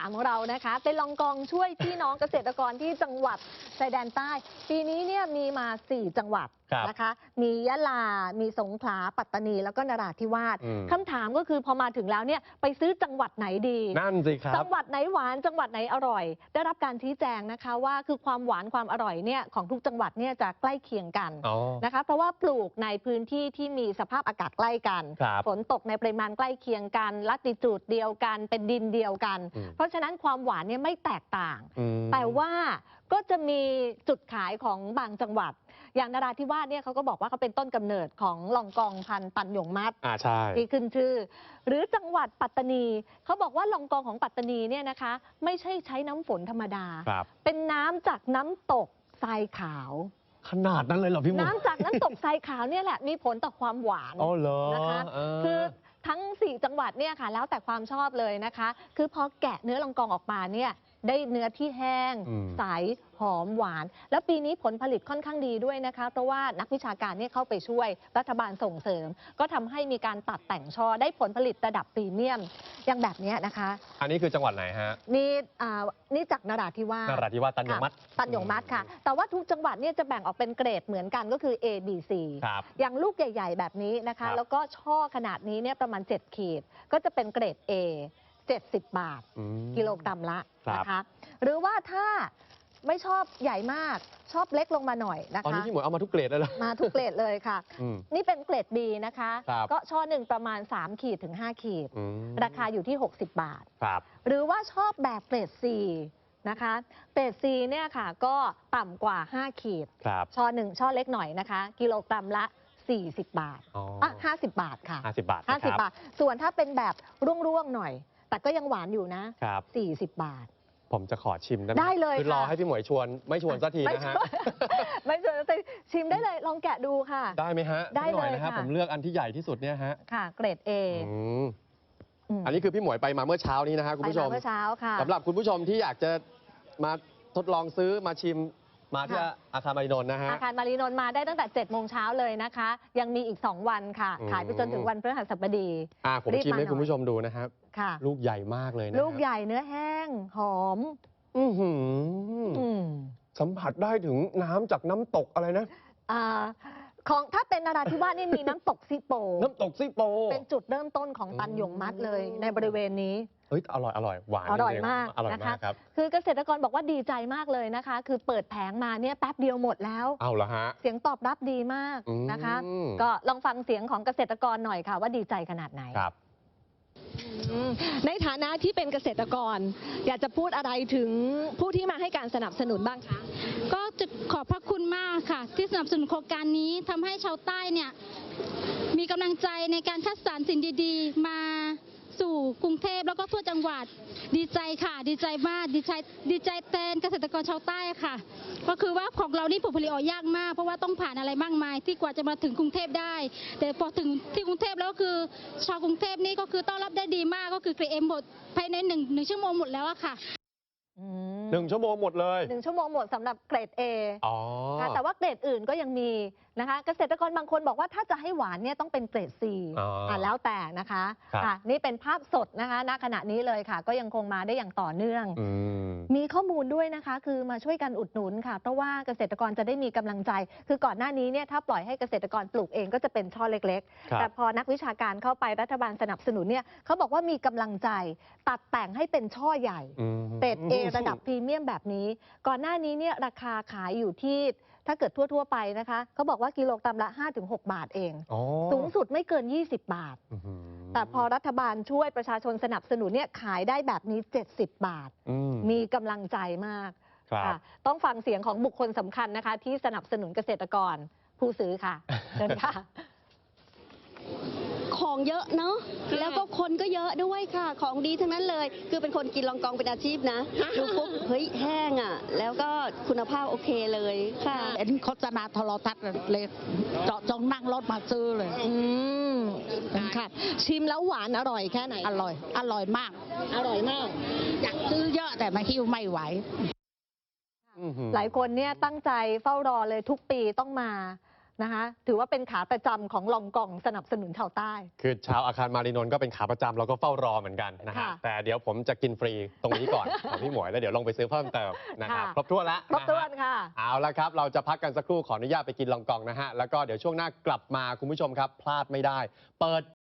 3ของเรานะคะเป็นลองกองช่วยพี่น้องเกษตรกรที่จังหวัดชายแดนใต้ปีนี้เนี่ยมีมา4จังหวัดนะคะมียะลา มีสงขลาปัตตานีแล้วก็นราธิวาสคำถามก็คือพอมาถึงแล้วเนี่ยไปซื้อจังหวัดไหนดีนั่นสิครับจังหวัดไหนหวานจังหวัดไหนอร่อยได้รับการชี้แจงนะคะว่าคือความหวานความอร่อยเนี่ยของทุกจังหวัดเนี่ยจะใกล้เคียงกันนะคะเพราะว่าปลูกในพื้นที่ที่มีสภาพอากาศใกล้กันฝนตกในปริมาณใกล้เคียงกันลัติจูดเดียวกันเป็นดินเดียวกันเพราะฉะนั้นความหวานเนี่ยไม่แตกต่างแต่ว่าก็จะมีจุดขายของบางจังหวัดอย่างนราธิวาสเนี่ยเขาก็บอกว่าเขาเป็นต้นกำเนิดของลองกองพันธุ์ตันหยงมัดที่ขึ้นชื่อหรือจังหวัดปัตตานีเขาบอกว่าลองกองของปัตตานีเนี่ยนะคะไม่ใช่ใช้น้ำฝนธรรมดาเป็นน้ำจากน้ำตกทรายขาวขนาดนั้นเลยเหรอพี่มุกน้ำจากน้ำตกทรายขาวเนี่ยแหละมีผลต่อความหวานนะคะคือทั้ง4จังหวัดเนี่ยค่ะแล้วแต่ความชอบเลยนะคะคือพอแกะเนื้อลองกองออกมาเนี่ยได้เนื้อที่แห้งใสหอมหวานแล้วปีนี้ผลผลิตค่อนข้างดีด้วยนะคะเพราะว่านักวิชาการเนี่ยเข้าไปช่วยรัฐบาลส่งเสริมก็ทำให้มีการตัดแต่งช่อได้ผลผลิตระดับพรีเมียมอย่างแบบนี้นะคะอันนี้คือจังหวัดไหนฮะนี่จากนราธิวาสตันหยงมัดค่ะแต่ว่าทุกจังหวัดเนี่ยจะแบ่งออกเป็นเกรดเหมือนกันก็คือ A B C อย่างลูกใหญ่ๆแบบนี้นะคะแล้วก็ช่อขนาดนี้เนี่ยประมาณ7ขีดก็จะเป็นเกรด A 70 บาทกิโลกรัมละนะคะหรือว่าถ้าไม่ชอบใหญ่มากชอบเล็กลงมาหน่อยนะคะตอนนี้พี่หมวยเอามาทุกเกรดเลยเหรอมาทุกเกรดเลยค่ะนี่เป็นเกรด B นะคะก็ช่อหนึ่งประมาณ3ขีดถึง5ขีดราคาอยู่ที่60 บาทหรือว่าชอบแบบเกรด C นะคะเกรด C เนี่ยค่ะก็ต่ำกว่า5ขีดช่อหนึ่งช่อเล็กหน่อยนะคะกิโลกรัมละ40 บาท50 บาทค่ะ 50 บาทส่วนถ้าเป็นแบบร่วงๆหน่อยแต่ก็ยังหวานอยู่นะ40 บาทผมจะขอชิมได้เลยคือรอให้พี่หมวยชวนไม่ชวนสักทีนะฮะไม่ชวนสักทีชิมได้เลยลองแกะดูค่ะได้ไหมฮะได้เลยนะครับผมเลือกอันที่ใหญ่ที่สุดเนี่ยฮะค่ะเกรด A อันนี้คือพี่หมวยไปมาเมื่อเช้านี้นะฮะคุณผู้ชมเมื่อเช้าค่ะสำหรับคุณผู้ชมที่อยากจะมาทดลองซื้อมาชิมมาที่อาคารมารีนนท์นะฮะอาคารมารีนนท์มาได้ตั้งแต่7 โมงเช้าเลยนะคะยังมีอีก2 วันค่ะขายไปจนถึงวันพฤหัสบดีผมชิมให้คุณผู้ชมดูนะครับลูกใหญ่มากเลยนะลูกใหญ่เนื้อแห้งหอมสัมผัสได้ถึงน้ำจากน้ำตกอะไรนะของถ้าเป็นนราธิวาสนี่มีน้ำตกซิโปน้ำตกซิโปเป็นจุดเริ่มต้นของตันหยงมัดเลยในบริเวณนี้อร่อยหวานอร่อยมากนะคะคือเกษตรกรบอกว่าดีใจมากเลยนะคะคือเปิดแผงมาเนี่ยแป๊บเดียวหมดแล้วเอาเหรอฮะเสียงตอบรับดีมากนะคะก็ลองฟังเสียงของเกษตรกรหน่อยค่ะว่าดีใจขนาดไหนครับในฐานะที่เป็นเกษตรกรอยากจะพูดอะไรถึงผู้ที่มาให้การสนับสนุนบ้างคะก็จะขอบพระคุณมากค่ะที่สนับสนุนโครงการนี้ทำให้ชาวใต้เนี่ยมีกำลังใจในการคัดสรรสิ่งดีๆมาสู่กรุงเทพแล้วก็ทั่วจังหวัดดีใจค่ะดีใจมากดีใจแทนเกษตรกรชาวใต้ค่ะก็คือว่าของเรานี่ผลผลิตออกยากมากเพราะว่าต้องผ่านอะไรมากมายที่กว่าจะมาถึงกรุงเทพได้แต่พอถึงที่กรุงเทพแล้วคือชาวกรุงเทพนี่ก็คือต้อนรับได้ดีมากก็คือเกรด M หมดภายใน1 ชั่วโมงหมดแล้วอะค่ะ 1 ชั่วโมงหมดเลย 1 ชั่วโมงหมดสำหรับเกรด A แต่ว่าเกรดอื่นก็ยังมีนะคะเกษตรกรบางคนบอกว่าถ้าจะให้หวานเนี่ยต้องเป็นเกรด C แล้วแต่นะคะนี่เป็นภาพสดนะคะณขณะนี้เลยค่ะก็ยังคงมาได้อย่างต่อเนื่องมีข้อมูลด้วยนะคะคือมาช่วยกันอุดหนุนค่ะเพราะว่าเกษตรกรจะได้มีกำลังใจคือก่อนหน้านี้เนี่ยถ้าปล่อยให้เกษตรกรปลูกเองก็จะเป็นช่อเล็กๆแต่พอนักวิชาการเข้าไปรัฐบาลสนับสนุนเนี่ยเขาบอกว่ามีกำลังใจตัดแต่งให้เป็นช่อใหญ่เกรด A ระดับพรีเมียมแบบนี้ก่อนหน้านี้เนี่ยราคาขายอยู่ที่ถ้าเกิดทั่วไปนะคะเขาบอกว่ากิโลกรัมละ 5-6 บาทเองสูงสุดไม่เกิน20 บาทแต่พอรัฐบาลช่วยประชาชนสนับสนุนเนี่ยขายได้แบบนี้70 บาทมีกำลังใจมากต้องฟังเสียงของบุคคลสำคัญนะคะที่สนับสนุนเกษตรกรผู้ซื้อค่ะเชิญค่ะของเยอะเนาะแล้วก็คนก็เยอะด้วยค่ะของดีทั้งนั้นเลยคือเป็นคนกินลองกองเป็นอาชีพนะดูปุ๊บเฮ้ยแห้งอ่ะแล้วก็คุณภาพโอเคเลยค่ะเห็นโฆษณาโทรทัศน์เลยเจาะจงนั่งรถมาซื้อเลยค่ะชิมแล้วหวานอร่อยแค่ไหนอร่อยมากอยากซื้อเยอะแต่มาหิ้วไม่ไหวหลายคนเนี่ยตั้งใจเฝ้ารอเลยทุกปีต้องมานะคะถือว่าเป็นขาประจำของลองกองสนับสนุนชาวใต้คือชาวอาคารมารีนนท์ก็เป็นขาประจำเราก็เฝ้ารอเหมือนกันนะฮะค่ะแต่เดี๋ยวผมจะกินฟรีตรงนี้ก่อน ของพี่หมวยแล้วเดี๋ยวลงไปซื้อเพิ่มเติมนะครับค่ะครบถ้วนแล้วครบถ้วนนะฮะค่ะเอาละครับ เราจะพักกันสักครู่ขออนุญาตไปกินลองกองนะฮะ แล้วก็เดี๋ยวช่วงหน้ากลับมาคุณผู้ชมครับ พลาดไม่ได้ เปิด